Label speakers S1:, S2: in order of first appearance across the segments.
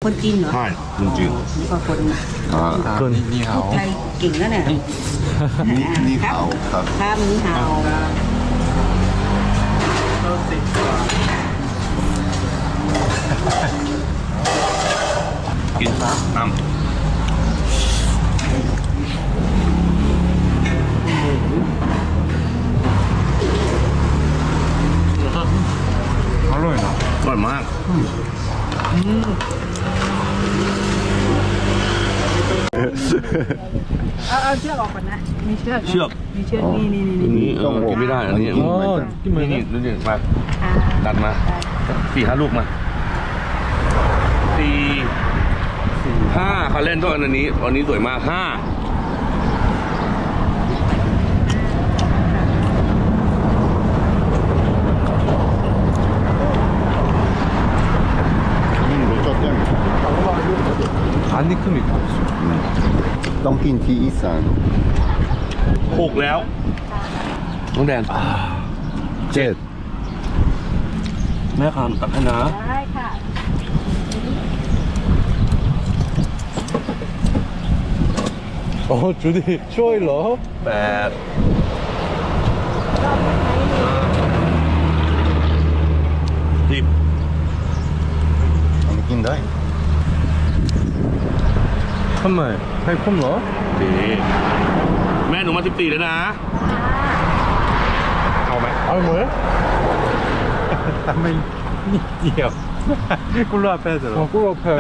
S1: คนจีนเหรอ
S2: ใช่คนจีน
S1: นี่ก็คน
S3: คนนี่เขา
S1: ไทยเก่งแล้วเนี่ย
S4: นี่เขาครับ
S1: ครับนี่ฮาว
S2: กินน้ำ
S3: อร่อยนะ
S2: อร่อยมาก
S1: เอาเชือกออกก่อนนะมีเชือก
S2: เชือก
S1: มีเชือกนี่
S2: อันนี้กินไม่ได้อันนี้
S3: อ๋อกินเหมือน
S2: นี่
S3: กัน
S2: นี่มาดันมา4-5 ลูกมา4-5เขาเล่นด้วยอันนี้สวยมาก5
S4: รสชาติยัง
S3: 안니큼이 있어.
S4: ต้องกินที่อีสาน
S2: 6แล้วน้องแดน
S4: 7
S2: แม่คามตักให้นะ
S1: ได้ค่ะ
S3: 주디 쇼일러.
S2: 8 10
S4: อันนี้กินได้
S3: 한말 하이콤러.
S2: ดีแม่หนูมา14แล้วนะ
S3: เอาไหมเอาไหมไม่นิดเดียวกุหลาบแพ้เหรอกุหลาบแพ้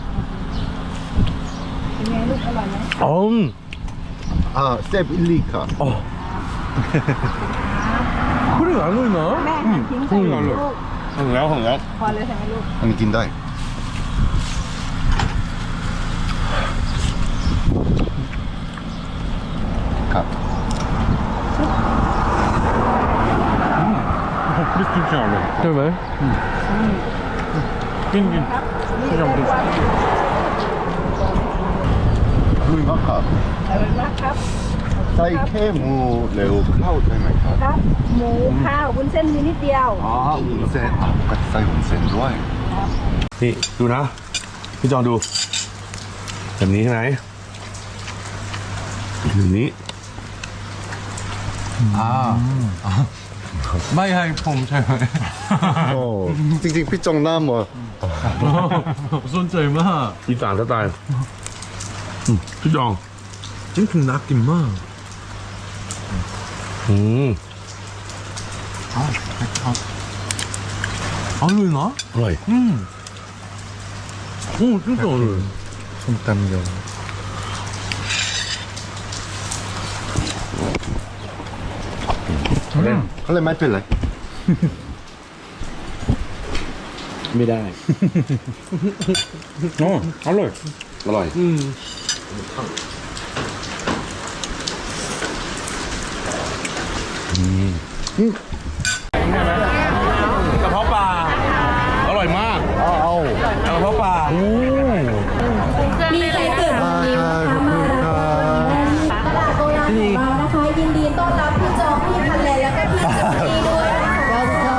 S1: เป็นไงลูกอร่อยไหม
S4: เซฟอิลลี่ค่ะ
S3: 그래 안 올나?
S1: แม่หั่นทิ้งใส่ลูก
S2: ถึงแล้ว
S1: พอเลยใช่ไหมลูก
S4: อันนี้กินได้ครับ
S3: 크리스틴 알로. 그래? 긴.
S4: ลุยมากครับ
S1: อร่อยมากครับ
S4: ใส่แค่หมูเร็วเข้าใช่ไหมครับ
S1: ครับ หมูข้าววุ้นเส้นมีนิดเดียว
S4: อ๋อวุ้นเส้นก็ใส่วุ้นเส้นด้วย
S2: นี่ดูนะ พี่จองดูแบบนี้ใช่ไหมแบบนี้
S3: ไม่ให้ผมใช่ไหม
S4: โอ้จริงๆพี่จงน้ำเหรอ
S3: สนใจมาก
S2: อีสานสไตล์พี่จอง
S3: จริงๆน่ากินมาก อร่อยนะ
S2: อร่อย
S3: 오 진짜 어려워. 손땀겨.
S4: เขาเลยไม่เป็นไร
S2: ไม่ได้
S3: อร่อย
S2: อร่อยกระเพาะปลาอร่อยมาก
S4: เอา
S2: กระเพาะปลา
S5: มีใครเกิดวันนี้นะคะมารับตลาดโบราณของเรานะคะยินดีต้อนรับพี่จองพี่พันแลแล้วก็พี่เจสซี่ด้วยนะคะ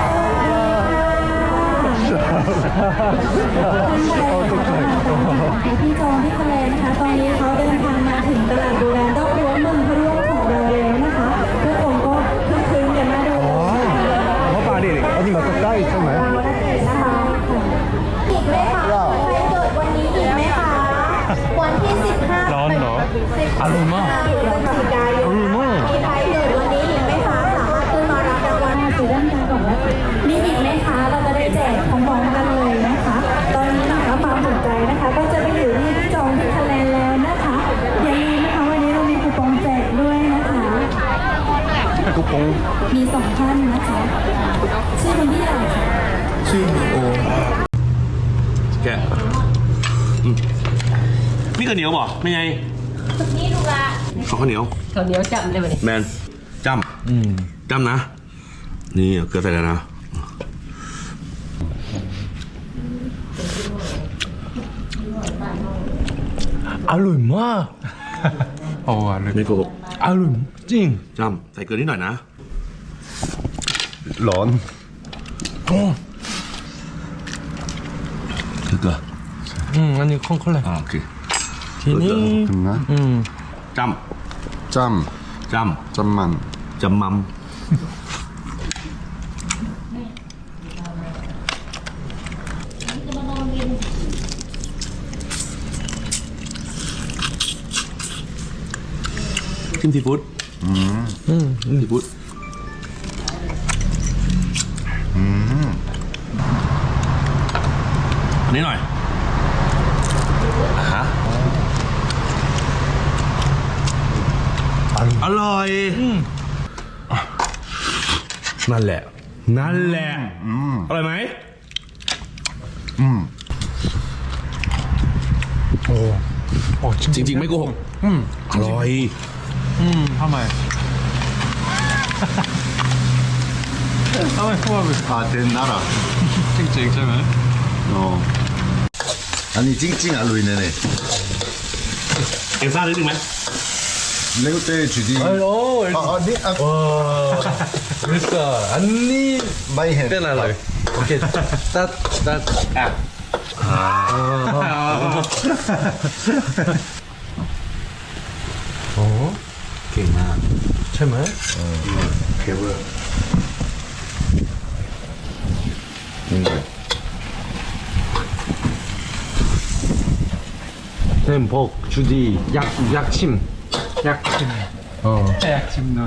S5: พี่จองพี่พันแลนะคะตอนนี้เขาเดินทางมาถึงตลาดโบราณรอบรั้วเมืองพะร่วงของเราแล้วนะคะทุกคนก็คึกคืนกันมาดู
S4: เขาปลาดิอันนี้มาใกล้ใช่ไหม
S5: นะคะอีกไหมคะใครเกิดวันนี้อีกไหมคะ วันที่ 15
S3: ร้อนเหรออร่อยมาก
S5: พฤศจิกายนมีใครเกิดวันนี้อีกไหมคะ สามารถขึ้นมารับรางวัลซื้อด้านการก่อนนะมีอีกไหมคะ เราจะได้แจกพร้อมๆกันเลยนะคะ ตอนนี้นะคะความสนใจนะคะ ก็จะไปอยู่ที่จองที่คะแนนแล้วนะคะอย่าลืมนะคะวันนี้เรามีคูปองแจกด้วยนะคะ
S4: ทุกคน
S5: มี2ท่านนะคะ ชื่อคุณพี่อะไรคะ
S4: ชื่อโอ
S2: แกะนี่ข้าวเหนียวบ่ไม่ไง
S5: นี่ดูละ
S2: ขอข้าวเหนียว
S1: ข้าวเหนียวจำได้ไหม
S2: แมนจ้ำจ้ำนะ นี่เอาเกลือใส่แล้วนะ
S3: อร่อยมาก อร่อย
S2: ไม่โกหก
S3: อร่อยจริง
S2: จ้ำใส่เกลือนิดหน่อยนะ
S4: ร้อน
S2: เกลือ
S3: อันนี้ข้นๆเลย
S2: โอเค
S3: ทีนี้
S4: 됐나?
S2: จ
S4: 짬,
S2: ำจ
S4: 짬만.
S2: ำจำมัมจิ้มซีฟู้ดซีฟู้ดอันนี้หน่อยฮะอร่อยนั่นแหละ นั่นแหละอร่อยไหมจริง ๆ ไม่โกหกอร่อย
S3: ทำไมพูด
S4: 아, 된나라.
S3: จริงๆใช่ไหม
S4: 아니, 찡찡 알로이네네.
S2: เอ็มซ่านิดนึงไหม
S4: 레고 때 주디.
S3: 오
S4: 아니,
S3: 됐어 언니
S4: 마이 헨.
S3: tên là lời ok start à 어
S2: เก่งมาก
S3: ใช่ไหม
S4: 개불.
S3: 템복 주디 약침 약침 약침 넣어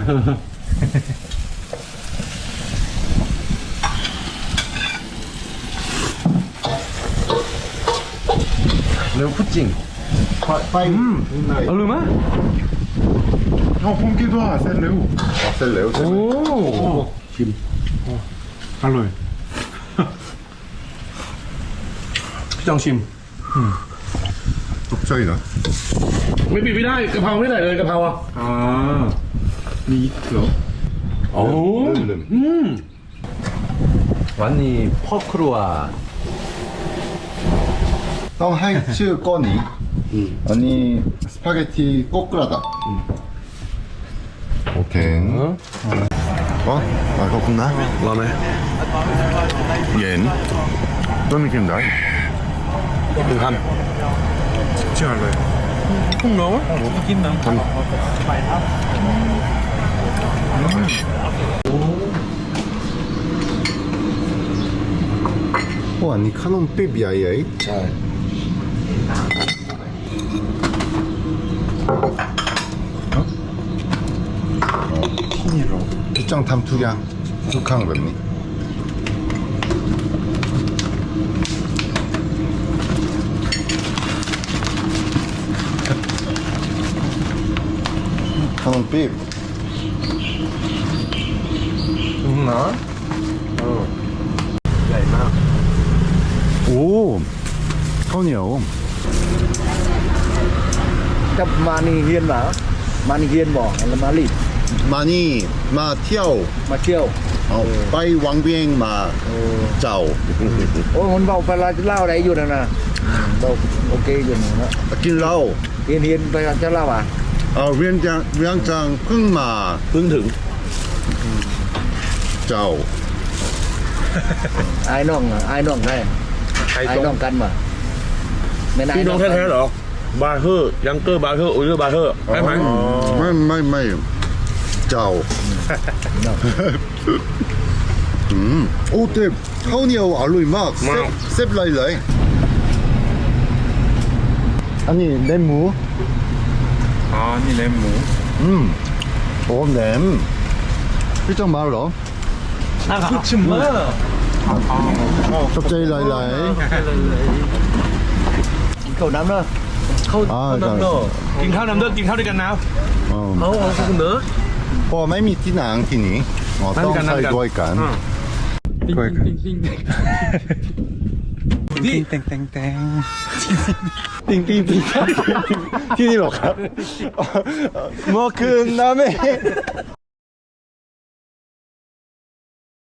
S3: 레오 푸찡
S4: 빠이.
S3: 얼마?
S4: 형, pom기도 셀레우. 셀레우.
S3: 오 김 알로에
S2: พี่จองชิม
S4: 독자이다.
S2: ไม่ปิดไม่ได้กะเพราไม่ได้เลยกะเพราอ่ะ
S3: 아 미있어
S2: โอ้
S3: 완니 퍼크루와
S4: 형, 하이츠 꺼니. 아니, 스파게티 꼬꾸라다. 오케이. 어? 아, 그렇구나.
S2: รอไหม
S4: 옌. 또 느낀다.
S2: หนึ่งค
S3: 쉽지 않아요 콩 넣어? 못 끼나?
S4: 아니, 카논 삐비아이아이.
S2: ำใช่
S4: 피니로. 피짱 탐투량. 툭한 겁니. 카논 삐.
S3: 나?
S4: 오. 카논이요.
S6: Chấp mani hiên mà mani hiên bỏ là mali
S4: 많이 마 티아오.
S6: mà chiều
S4: 빠이 왕비행 마 짜오.
S6: ôi muốn vào phải là lao đấyอยู่นั่นน่ะđâu okอยู่นั่นนะ
S4: 길라오.
S6: hiên hiênไปจะเล่าอ่ะ
S4: 위안장 พึ่ง마
S2: เพิ่งถึง
S4: 짜오.
S6: ไอ้น้องได้ไอ้น้องกันมาไม่ได้
S2: พี่น้องแท้ๆเหรอบาร์เทอร์ยังเกอร์บาร์เทอร์โอเยอร์บาร์เทอร์ใช่ไหม
S4: ไม่ 짜오. 오, 때 카운이하고 알로이 막 셉라일라이. 아니, 램무.
S3: 아니 램무
S4: 오, 램. 일정 말로.
S3: 그치 뭐
S4: 갑자기 라일라이.
S6: cầu nắm đó
S4: 아,
S3: 너
S2: กินข้าวน้ำเด้อกินข้าวด้วยกันนะ
S4: 어,
S3: เอาคุณเด้อ
S4: ไม่มีที่หนังที่นี้ต้องใส่ด้วยกัน
S3: 띵띵띵띵 띵띵띵 띵띵띵
S4: ที่นี่หรอครับ เมื่อคืนนะแม่